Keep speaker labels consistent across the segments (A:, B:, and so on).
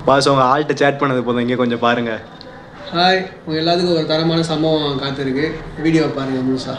A: Pass உங்கள் ஆள்கிட்ட chat பண்ணது போதும், இங்கே கொஞ்சம் பாருங்கள்.
B: ஹாய், உங்கள் எல்லாத்துக்கும் ஒரு தரமான சம்பவம் காத்திருக்கு. வீடியோ பாருங்கள் முழுசா.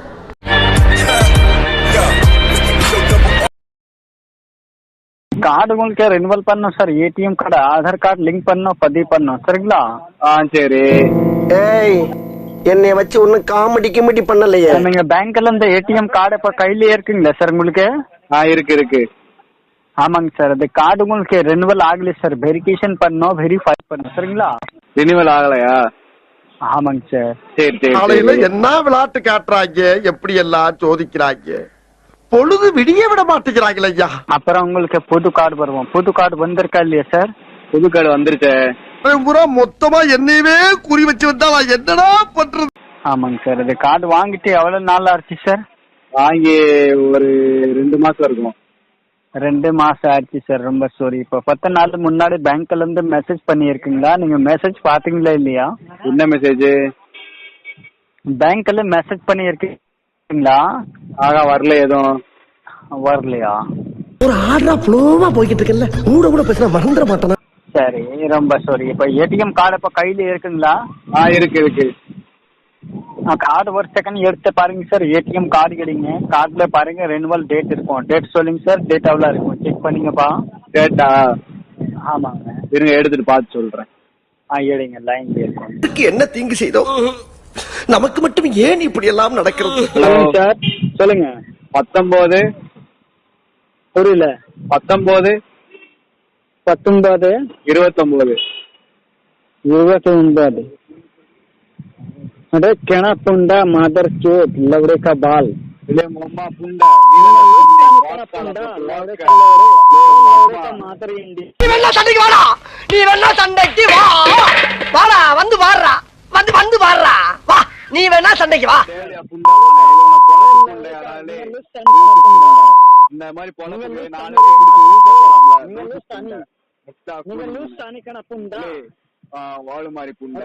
C: கார்டு உங்களுக்கு ரெனுவல் பண்ணோம் சார். ATM card Aadhaar card link பண்ணோம், பதிவு பண்ணோம். சரிங்களா? சரி.
D: ஏய், என்னைய வச்சு ஒன்னும் காமெடி கிமெடி பண்ணலையே.
C: நீங்க பேங்க்ல இந்த ஏடிஎம் கார்டு இப்ப கையில இருக்குங்களா சார் உங்களுக்கு? இருக்கு. ஆமாங்க சார். அந்த கார்டு உங்களுக்கு ரெனுவல் ஆகல சார். வெரிஃபிகேஷன் பண்ணோம், வெரிஃபை பண்ணோம். சரிங்களா? ரெனுவல் ஆகலையா? ஆமாங்க சார். சரி.
D: காலையில என்ன விளையாட்டு காட்டுறாங்க, எப்படி எல்லாம் சோதிக்கிறாங்க, பொழுது விடிய விட மாட்டேங்கிறாங்களே ஐயா.
C: அப்புறம் உங்களுக்கு புது கார்டு வருவோம். புது கார்டு வந்திருக்கா இல்லையா சார்? புது கார்டு வந்துருச்சு.
D: பூரா மொத்தமா என்னையவே குறி வச்சு வந்தா நான் என்னடா பண்றது?
C: ஆமாங்க சார். இந்த கார்டு வாங்கிட்டு எவ்வளவு நாள் ஆச்சு சார்? வாங்கி ஒரு 2 மாசம் இருக்கும். 2 மாசம் ஆச்சு சார். ரொம்ப சாரி. இப்போ 10 நாள் முன்னாடி பேங்க்ல இருந்து மெசேஜ் பண்ணியிருக்கீங்களா? நீங்க மெசேஜ் பாத்தீங்களா இல்லையா? என்ன மெசேஜ்? பேங்க்ல மெசேஜ் பண்ணியிருக்கீங்களா? வரல, எதுவும் வரலையா?
D: ஒரு ஆர்டரா ஃப்ளோவா போய்கிட்டு இருக்கல, கூட பேசினா மறந்துட மாட்டேனா?
C: சரி, ரொம்ப சாரி. இப்போ ஏடிஎம் கார்டு இப்ப கையில இருக்குங்களா? இருக்கு. கார்டு ஒரு செகண்ட் எடுத்து பாருங்க சார். ஏடிஎம் கார்டு எடுங்க. கார்டுல பாருங்க ரெனுவல் டேட் இருக்கும். டேட் சொல்லுங்க சார். டேட் எவ்வளவு இருக்கும் செக் பண்ணீங்கப்பா. டேட்டா? ஆமாங்க. இருங்க, எடுத்துட்டு பார்த்து சொல்றேன். எடுங்க, லைன்ல இருக்கும்.
D: என்ன தீங்கு செய்தோம் நமக்கு மட்டும் ஏன் இப்படி எல்லாம் நடக்கிறது?
C: சார் சொல்லுங்க. 19 புரியல. 19 29 अरे केना पुंडा मादर चोट लवड़े का बाल ले मोमा पुंडा मादर इंडी
D: நீ வேணா சண்டைக்கு வாடா, வாடா, வந்து வாடுறா, வந்து வாடுறா, வா, நீ வேணா சண்டைக்கு வா.
C: இந்த மாதிரி பொண்ணுங்க வாழு மாதிரி புண்டை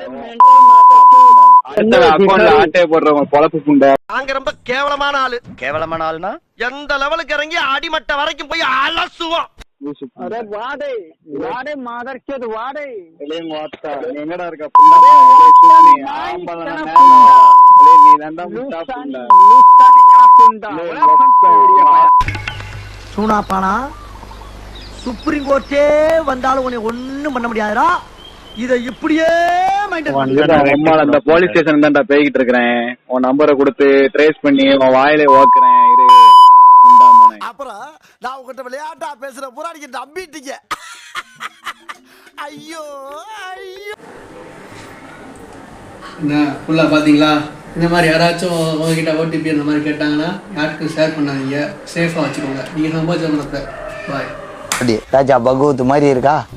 C: ஆட்டையை போடுறவங்க பொழப்பு புண்டை.
D: நாங்க ரொம்ப கேவலமான ஆளுனா எந்த லெவலுக்கு இறங்கி அடிமட்ட வரைக்கும் போய் அலசுவோம்.
C: எங்கடா இருக்க
D: சூனாப்பானா சுப்ரீம் கோர்ட்டே வந்தாலும் உன்னை ஒண்ணும் பண்ண முடியாதுடா. இத இப்படியே
C: அந்த போலீஸ் ஸ்டேஷன் தான்டா பேய்கிட்டு இருக்கிறேன். உன் நம்பரை கொடுத்து ட்ரேஸ் பண்ணி உன் வாயிலே ஓக்குறேன்.
D: அப்புறம் நான் உங்ககிட்ட விளையாட்டா பேசுற புறாடிக்கு நம்பிட்டீங்க. ஐயோ
B: என்ன ஃபுல்லாக பார்த்தீங்களா? இந்த மாதிரி யாராச்சும் உங்ககிட்ட ஓடிபி அந்த மாதிரி கேட்டாங்கன்னா யாருக்கும் ஷேர் பண்ணாதீங்க. சேஃபாக வச்சுக்கோங்க. நீங்கள் சம்பாதிச்ச மனத்தை. பாய்.
E: ராஜா பகவத் மாதிரி இருக்கா?